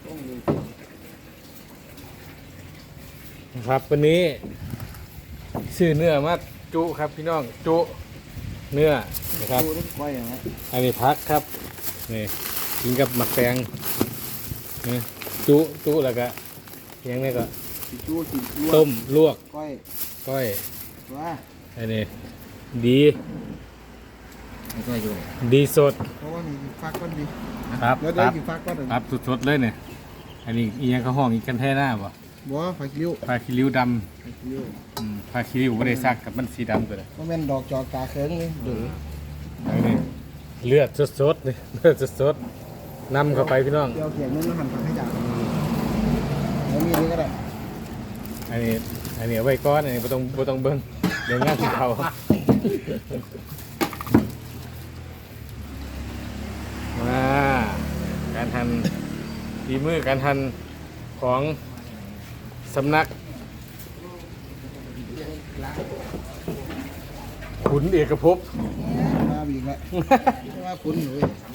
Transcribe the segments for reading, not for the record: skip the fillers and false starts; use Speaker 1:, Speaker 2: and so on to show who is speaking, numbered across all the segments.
Speaker 1: ครับวันนี้ซื้อเนื้อมาจุครับพี่น้องจุเนื้อนะครับอันนี้พักครับนี่กินกับหมักแตงนี่จุแล้วก็ยังไงก็ต้มลวกก้อยอันนี้ดีสด
Speaker 2: เพราะว่ามีฟักก้อนดี
Speaker 1: ครับ
Speaker 2: ครับ
Speaker 1: สดๆเลยเนี่ยอันนี้อีกอย่างเขาห้องอีกกันแท่หน้าบ่
Speaker 2: ผักคิ้ว
Speaker 1: ดำผักคิริ้วไม่ได้ซักกับมันสีดำตัวเลย
Speaker 2: เพราะมันดอกจอกกาเคิงนี่ดู
Speaker 1: นี่เลือดสดๆนี่เลือดสดๆนำเข้าไปพี่น้อง
Speaker 2: เดี๋ยวเขียนนู้นแล้วหั่นผักให้จ่าแล้วมีนี่ก็ได้
Speaker 1: อันนี้เอาไว้ก้อนอันนี้บ่ต้องเบิ้งเดี๋ยวงานสิเขามาการทันฝีมือการทันของสำนักขุนเอกภพ
Speaker 2: มาบีกแล้วมาขุนหนู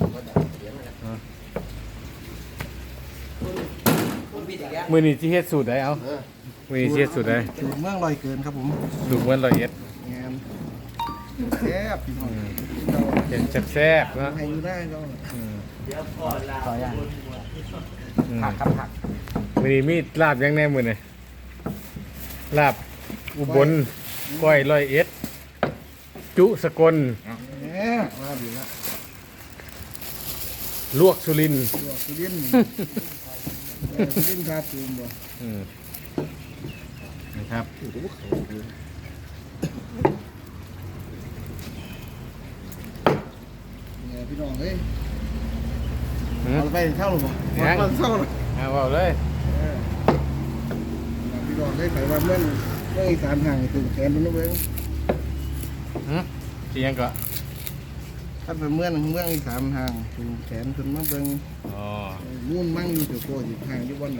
Speaker 1: มือนี้ที่เฮ็ดสูตรได้เอามือนี้ที่เฮ็ดสูตรได้
Speaker 2: สูตรเมืองลอยเกินครับผม
Speaker 1: สูตรเมืองลอยเอ็ด
Speaker 2: งามแซ่บพี่น้อง
Speaker 1: เป็นแซ่บๆนะ
Speaker 2: ให้อยู่ได้ก็เดี๋ยวพอลาต่ออย่างผัก
Speaker 1: มือนี้มีลาบยังแน่มือนี่ลาบอุบลก้อยลอยเอ็ดจุสกล
Speaker 2: มาบีแล้ว
Speaker 1: ลวกสุรินทร์
Speaker 2: คาตูมบ่
Speaker 1: นะครับ
Speaker 2: พี่น้องเฮ้ยเอาไปเท่าหรือเปล่าเท่าหรือ
Speaker 1: เอาเลย
Speaker 2: พี่น้องได้ใส่ว่าเมื่ออีสานห่างถึงแขนนู้นเว้ย
Speaker 1: ที่ยังก็
Speaker 2: ถ้าเป็นเมื่ออีสานห่างถึงแขนจนมาเบิ่งนู่นมั่งอยู่เดี๋ยวโกอยู่ห่างอยู่วันไหน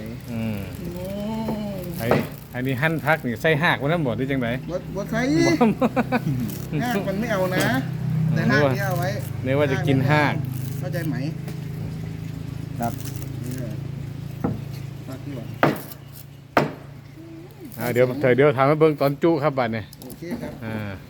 Speaker 1: อันนี้หั่นพักนี่ใส่หากวันนั้นหมดได้จังไหน
Speaker 2: บ่ใส่หากมันไม่เอานะแต่หากนี่เอาไว้
Speaker 1: เนื้อว่าจะกินหาก
Speaker 2: เข้าใจไหมครับพักที่ว่า
Speaker 1: เดี๋ยวทำให้เบิ่งตอนจุครับบัดเนี่ย
Speaker 2: โอเคครับ